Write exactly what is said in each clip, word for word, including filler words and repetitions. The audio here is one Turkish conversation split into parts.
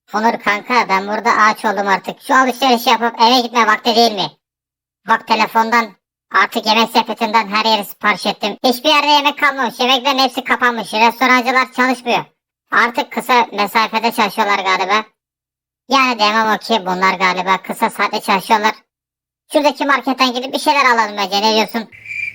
Onur kanka ben burada ağaç oldum artık. Şu alışveriş yapıp eve gitme vakti değil mi? Bak telefondan artık yemek sepetinden her yeri sipariş ettim. Hiçbir yerde yemek kalmamış. Yemeklerin hepsi kapanmış. Restorancılar çalışmıyor. Artık kısa mesafede çalışıyorlar galiba. Yani demem o ki bunlar galiba kısa saatte çalışıyorlar. Şuradaki marketten gidip bir şeyler alalım bence, ne diyorsun?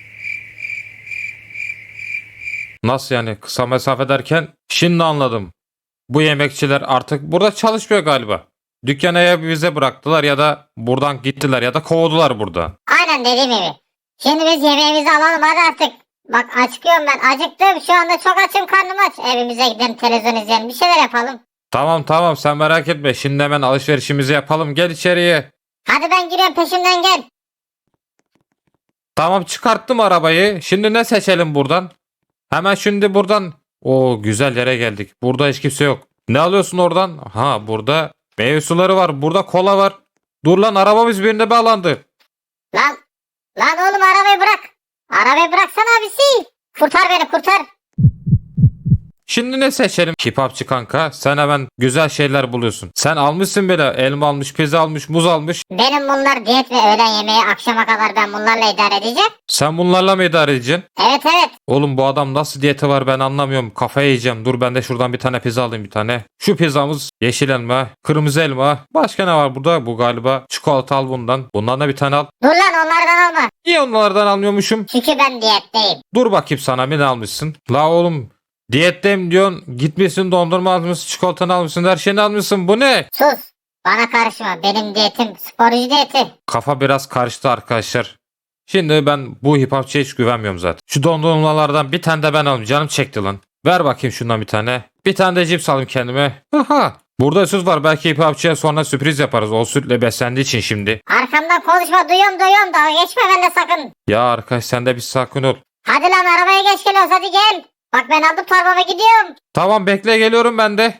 Nasıl yani kısa mesafe derken? Şimdi anladım. Bu yemekçiler artık burada çalışmıyor galiba. Dükkanı ya bize bıraktılar ya da buradan gittiler ya da kovdular burada. Aynen dediğim gibi. Şimdi biz yemeğimizi alalım hadi artık. Bak acıkıyorum ben, acıktım şu anda, çok açım, karnım aç. Evimize gidelim, televizyon izleyelim, bir şeyler yapalım. Tamam tamam sen merak etme. Şimdi hemen alışverişimizi yapalım. Gel içeriye. Hadi ben giriyorum, peşimden gel. Tamam çıkarttım arabayı. Şimdi ne seçelim buradan? Hemen şimdi buradan. O güzel yere geldik. Burada hiç kimse yok. Ne alıyorsun oradan? Ha burada meyve suları var. Burada kola var. Dur lan arabamız birine bağlandı. Lan, lan oğlum arabayı bırak. Arabayı bıraksana abisi. Kurtar beni, kurtar. Şimdi ne seçelim? Kebapçı kanka sen hemen güzel şeyler buluyorsun. Sen almışsın bile elma almış, pizza almış, muz almış. Benim bunlar diyet ve öğlen yemeği, akşama kadar ben bunlarla idare edeceğim. Sen bunlarla mı idare edeceksin? Evet evet. Oğlum bu adam nasıl diyeti var ben anlamıyorum. Kafayı yiyeceğim. Dur ben de şuradan bir tane pizza alayım bir tane. Şu pizzamız yeşil elma, kırmızı elma. Başka ne var burada? Bu galiba çikolata al bundan. Bundan da bir tane al. Dur lan, onlardan alma. Niye onlardan almıyormuşum? Çünkü ben diyetteyim. Dur bakayım sana bir ne almışsın? La oğlum diyetteyim diyorsun. Gitmişsin dondurma almışsın, çikolatanı almışsın, her şeyini almışsın. Bu ne? Sus. Bana karışma. Benim diyetim sporcu diyeti. Kafa biraz karıştı arkadaşlar. Şimdi ben bu hip hopçıya hiç güvenmiyorum zaten. Şu dondurmalardan bir tane de ben alayım. Canım çekti lan. Ver bakayım şundan bir tane. Bir tane de cips alayım kendime. Aha. Burada süt var. Belki hip hopçıya sonra sürpriz yaparız. O sütle beslendiği için şimdi. Arkamdan konuşma, duyuyorum duyuyorum, dalga geçme benimle sakın. Ya arkadaş sen de bir sakin ol. Hadi lan, arabaya geç geliyoruz, hadi gel. Bak ben aldım torbama, gidiyorum. Tamam bekle geliyorum ben de.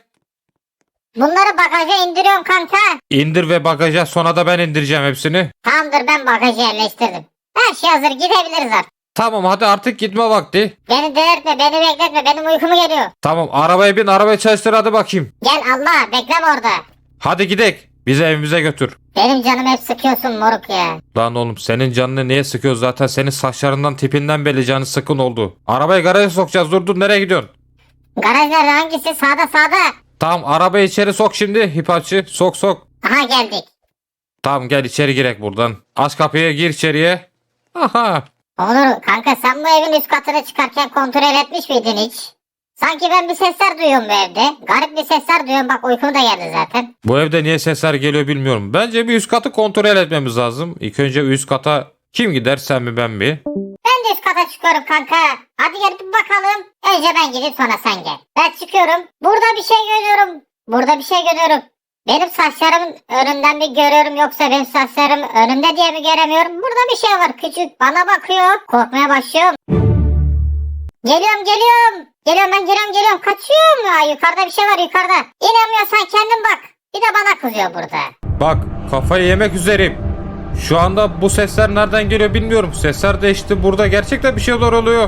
Bunları bagaja indiriyorum kanka. İndir ve bagaja sonra da ben indireceğim hepsini. Tamamdır, ben bagajı yerleştirdim. Her şey hazır, gidebiliriz artık. Tamam hadi artık gitme vakti. Beni delirtme, beni bekletme, benim uykum geliyor. Tamam arabaya bin arabayı çalıştır hadi bakayım. Gel Allah, bekleme orada. Hadi gidek. Bizi evimize götür. Benim canım hep sıkıyorsun moruk ya. Lan oğlum senin canını niye sıkıyoruz zaten senin saçlarından tipinden belli canı sıkın oldu. Arabayı garaja sokacağız dur dur nereye gidiyorsun? Garaj nerede, hangisi? Sağda sağda. Tamam arabayı içeri sok şimdi hipapçı sok sok. Aha geldik. Tamam gel içeri girek buradan. Aç kapıyı gir içeriye. Aha. Onur kanka, sen bu evin üst katına çıkarken kontrol etmiş miydin hiç? Sanki ben bir sesler duyuyorum bu evde. Garip bir sesler duyuyorum, bak uykum da geldi zaten. Bu evde niye sesler geliyor bilmiyorum. Bence bir üst katı kontrol etmemiz lazım. İlk önce üst kata kim gider sen mi ben mi? Ben de üst kata çıkıyorum kanka. Hadi gel bir bakalım. Önce ben gidip sonra sen gel. Ben çıkıyorum. Burada bir şey görüyorum. Burada bir şey görüyorum. Benim saçlarımın önünden mi görüyorum, yoksa benim saçlarım önümde diye mi göremiyorum? Burada bir şey var, küçük bana bakıyor. Korkmaya başlıyorum. Geliyorum geliyorum. Geliyorum ben, geliyorum geliyorum. Kaçıyorum ya, yukarıda bir şey var yukarıda. İnanmıyorsan kendin bak. Bir de bana kızıyor burada. Bak kafayı yemek üzereyim. Şu anda bu sesler nereden geliyor bilmiyorum. Sesler değişti burada gerçekten bir şeyler oluyor.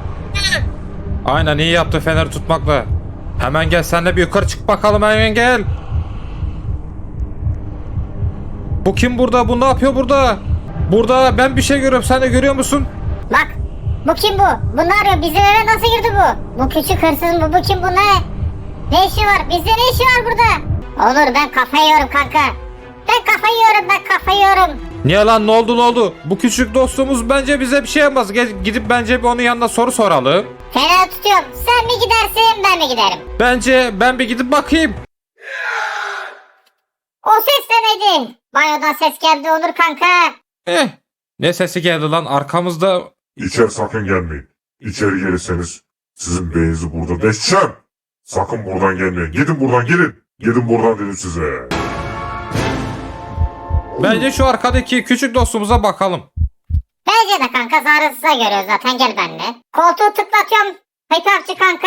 Aynen iyi yaptı fener tutmakla. Hemen gel sen de bir yukarı çık bakalım hemen gel. Bu kim burada? Bu ne yapıyor burada? Burada ben bir şey görüyorum. Sen de görüyor musun? Bak, bu kim bu? Bu ne arıyor? Bizim eve nasıl girdi bu? Bu küçük hırsız mı? Bu kim, bu ne? Ne işi var? Bizde ne işi var burada? Olur, ben kafayı yiyorum kanka. Ben kafayı yiyorum, ben kafayı yiyorum. Niye lan ne oldu ne oldu? Bu küçük dostumuz bence bize bir şey yapmaz. Gel, gidip bence bir onun yanına soru soralım. Fena tutuyorum. Sen mi gidersin, ben mi giderim? Bence ben bir gidip bakayım. O ses de neydi? Banyodan ses geldi Onur kanka. Eh. Ne sesi geldi lan arkamızda. İçeri sakın gelmeyin. İçeri gelirseniz sizin beyninizi burada deşeceğim. Sakın buradan gelmeyin. Gidin buradan gelin. Gidin buradan dedim size. Bence şu arkadaki küçük dostumuza bakalım. Bence de kanka, zararsıza görüyor zaten, gel benimle. Koltuğu tıklatıyorum. Hıytapçı kanka.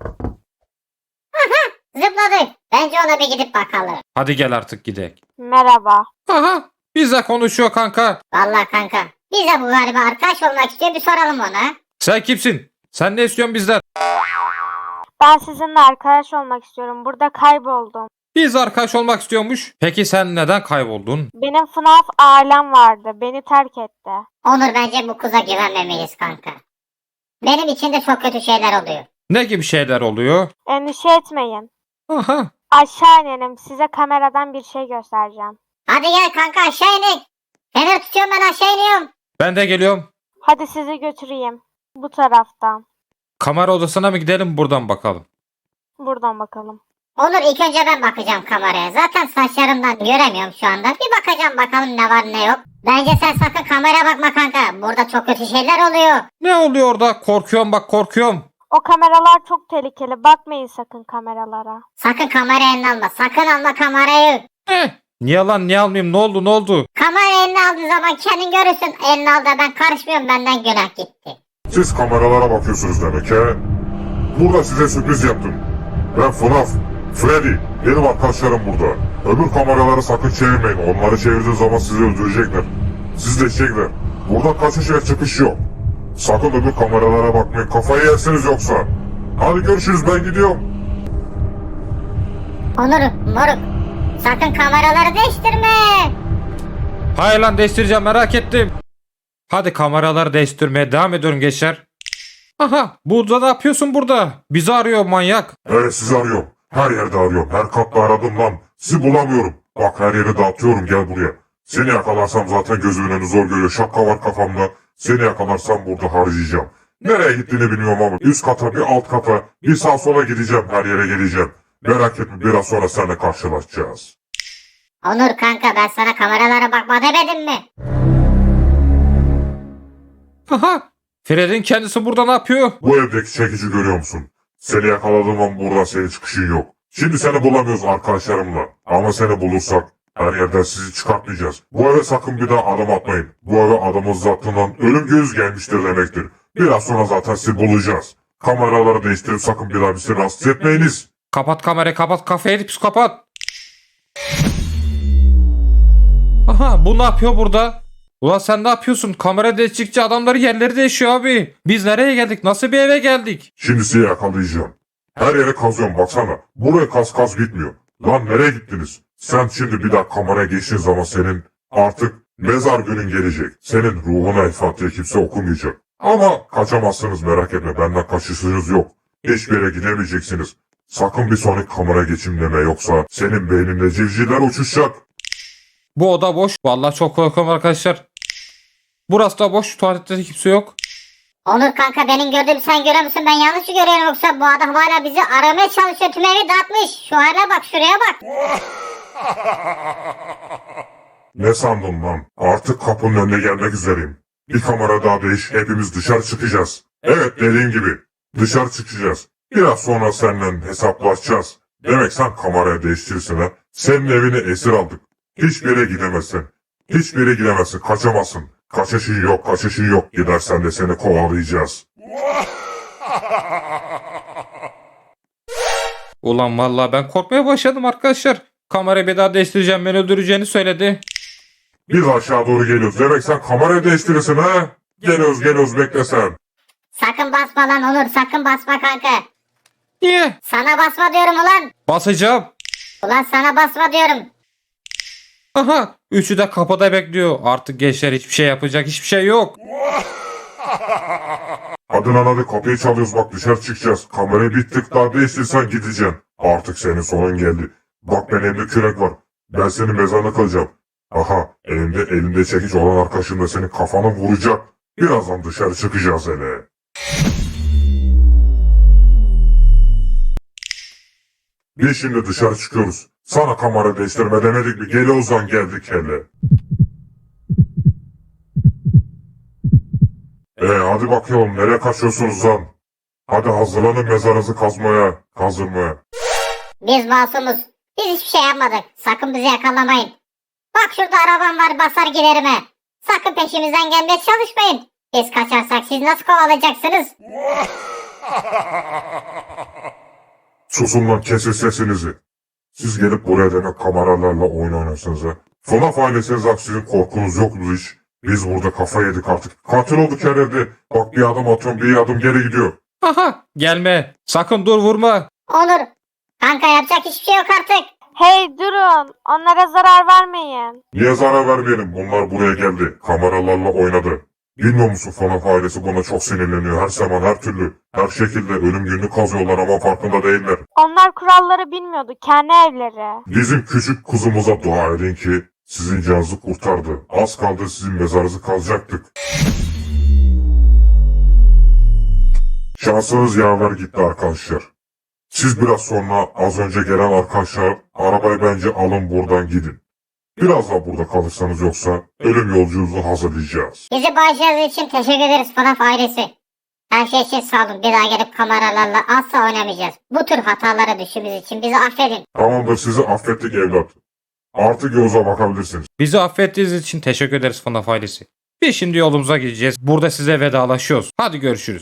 Aha, zıpladı. Bence ona bir gidip bakalım. Hadi gel artık gidelim. Merhaba. Aha bizle konuşuyor kanka. Vallahi kanka, bize bu galiba arkadaş olmak istiyor, bir soralım ona. Sen kimsin? Sen ne istiyorsun bizden? Ben sizinle arkadaş olmak istiyorum. Burada kayboldum. Biz arkadaş olmak istiyormuş. Peki sen neden kayboldun? Benim F N A F ailem vardı. Beni terk etti. Onur bence bu kıza güvenmemeliyiz kanka. Benim için de çok kötü şeyler oluyor. Ne gibi şeyler oluyor? Endişe etmeyin. Aha. Aşağı inelim. Size kameradan bir şey göstereceğim. Hadi gel kanka aşağı inek. Fener tutuyorum ben aşağı iniyorum. Ben de geliyorum. Hadi sizi götüreyim. Bu taraftan. Kamera odasına mı gidelim buradan bakalım. Buradan bakalım. Onur ilk önce ben bakacağım kameraya. Zaten saçlarımdan göremiyorum şu anda. Bir bakacağım bakalım ne var ne yok. Bence sen sakın kameraya bakma kanka. Burada çok kötü şeyler oluyor. Ne oluyor orada? Korkuyorum bak korkuyorum. O kameralar çok tehlikeli. Bakmayın sakın kameralara. Sakın kamerayı eline alma. Sakın alma kamerayı. Eh, niye lan niye almayayım ne oldu ne oldu? Kamerayı eline aldığı zaman kendin görürsün. Eline al da ben karışmıyorum, benden günah gitti. Siz kameralara bakıyorsunuz demek he? Burada size sürpriz yaptım. Ben F N A F, Freddy, benim arkadaşlarım burada. Öbür kameraları sakın çevirmeyin. Onları çevirdiğiniz zaman sizi öldürecekler. Sizi de çekecekler. Burada kaçış ve çıkış yok. Sakın öbür kameralara bakmayın. Kafayı yersiniz yoksa. Hadi görüşürüz, ben gidiyorum. Onur moruk. Sakın kameraları değiştirme. Hayır lan değiştireceğim merak ettim. Hadi kameraları değiştirmeye devam ediyorum gençler. Aha burada ne yapıyorsun burada? Bizi arıyor manyak. Evet sizi arıyorum. Her yerde arıyorum. Her katta aradım lan. Sizi bulamıyorum. Bak her yeri dağıtıyorum, gel buraya. Seni yakalarsam zaten gözümün önü zor görüyor. Şapka var kafamda. Seni yakalarsam burada harcayacağım. Nereye gittiğini bilmiyorum ama üst kata bir alt kata bir sağ sola gideceğim, her yere geleceğim. Merak etme, biraz sonra seninle karşılaşacağız. Onur kanka ben sana kameralara bakma demedim mi? Aha Fred'in kendisi burada ne yapıyor? Bu evdeki çekici görüyor musun? Seni yakaladığım an buradan senin çıkışın yok. Şimdi seni bulamıyoruz arkadaşlarımla. Ama seni bulursak her yerden sizi çıkartmayacağız. Bu eve sakın bir daha adım atmayın. Bu eve adamın zattığından ölüm göz gelmiştir demektir. Biraz sonra zaten sizi bulacağız. Kameraları değiştirip sakın bir daha bizi rahatsız etmeyiniz. Kapat kamerayı kapat kafayı psikopat. Aha bu ne yapıyor burada? Ulan sen ne yapıyorsun? Kamera değiştikçe adamların yerleri değişiyor abi. Biz nereye geldik? Nasıl bir eve geldik? Şimdi sizi yakalayacağım. Her yere kazıyorum baksana. Buraya kaz kaz bitmiyor. Lan nereye gittiniz? Sen şimdi bir daha kameraya geçtiğin zaman senin artık mezar günün gelecek. Senin ruhuna El Fatiha kimse okumayacak. Ama kaçamazsınız, merak etme, benden kaçışınız yok. Hiçbir yere gidemeyeceksiniz. Sakın bir sonraki kamera geçim deme, yoksa senin beyninde civcivler uçuşacak. Bu oda boş. Vallahi çok korkuyorum arkadaşlar. Burası da boş. Tuvalette de kimse yok. Onur kanka benim gördüğümü sen görüyor musun? Ben yanlış mı görüyorum yoksa bu adam hala bizi aramaya çalışıyor, tüm evi dağıtmış. Şu hale bak, şuraya bak. Ne sandın lan? Artık kapının önüne gelmek üzereyim. Bir kamera daha değiş, hepimiz dışarı çıkacağız. Evet, dediğim gibi dışarı çıkacağız. Biraz sonra seninle hesaplaşacağız. Demek sen kamerayı değiştirirsin ha. Senin evini esir aldık. Hiçbir yere gidemezsin. Hiçbir yere gidemezsin, kaçamazsın. Kaçışın yok, kaçışın yok. Gidersen de seni kovalayacağız. Ulan vallahi ben korkmaya başladım arkadaşlar. Kamerayı bir daha değiştireceğim, beni öldüreceğini söyledi. Biz aşağı doğru geliyoruz. Demek sen kamerayı değiştirirsin ha? Geliyoruz, geliyoruz, bekle sen. Sakın basma lan Onur, sakın basma kanka. Niye? Sana basma diyorum ulan. Basacağım. Ulan sana basma diyorum. Aha üçü de kapıda bekliyor. Artık gençler hiçbir şey yapacak hiçbir şey yok. Hadi lan hadi, kapıyı çalıyoruz, bak dışarı çıkacağız. Kamerayı bir tık daha değiştirsen gideceksin. Artık senin sonun geldi. Bak ben elimde kürek var. Ben senin mezarına kalacağım. Aha elinde elinde çekiç olan arkadaşın da senin kafanı vuracak. Birazdan dışarı çıkacağız hele. Biz şimdi dışarı çıkıyoruz. Sana kamera değiştirme demedik mi? Gel Ozan, geldik hele. Ee hadi bakalım, nereye kaçıyorsunuz lan? Hadi hazırlanın mezarınızı kazmaya, kazdırmaya. Biz masumuz. Biz hiçbir şey yapmadık. Sakın bizi yakalamayın. Bak şurada arabam var, basar giderim he. Sakın peşimizden gelmeye çalışmayın. Biz kaçarsak siz nasıl kovalayacaksınız? Susun lan, kesin sesinizi. Siz gelip buraya demek kameralarla oyun oynuyorsunuz ha. F N A F ailesiniz, bak sizin korkunuz yok mu hiç? Biz burada kafa yedik artık. Katil olduk her yerde. Bak bir adım atıyorum, bir adım geri gidiyor. Aha gelme. Sakın dur vurma. Onur. Kanka yapacak hiçbir şey yok artık. Hey durun. Onlara zarar vermeyin. Niye zarar vermeyelim? Bunlar buraya geldi. Kameralarla oynadı. Bilmiyor musun FNAF ailesi buna çok sinirleniyor. Her zaman her türlü, her şekilde ölüm gününü kazıyorlar ama farkında değiller. Onlar kuralları bilmiyordu. Kendi evleri. Bizim küçük kuzumuza dua edin ki sizin canınızı kurtardı. Az kaldı sizin mezarınızı kazacaktık. Şansınız yaver gitti arkadaşlar. Siz biraz sonra az önce gelen arkadaşlar arabayı bence alın buradan gidin. Biraz daha burada kalırsanız yoksa ölüm yolculuğunuzu hazırlayacağız. Bizi bağışladığınız için teşekkür ederiz FNAF ailesi. Her şey için sağ olun. Bir daha gelip kameralarla asla oynamayacağız. Bu tür hatalara düştüğümüz için bizi affedin. Tamamdır, sizi affettik evlat. Artık yolunuza bakabilirsiniz. Bizi affettiğiniz için teşekkür ederiz FNAF ailesi. Biz şimdi yolumuza gideceğiz. Burada size vedalaşıyoruz. Hadi görüşürüz.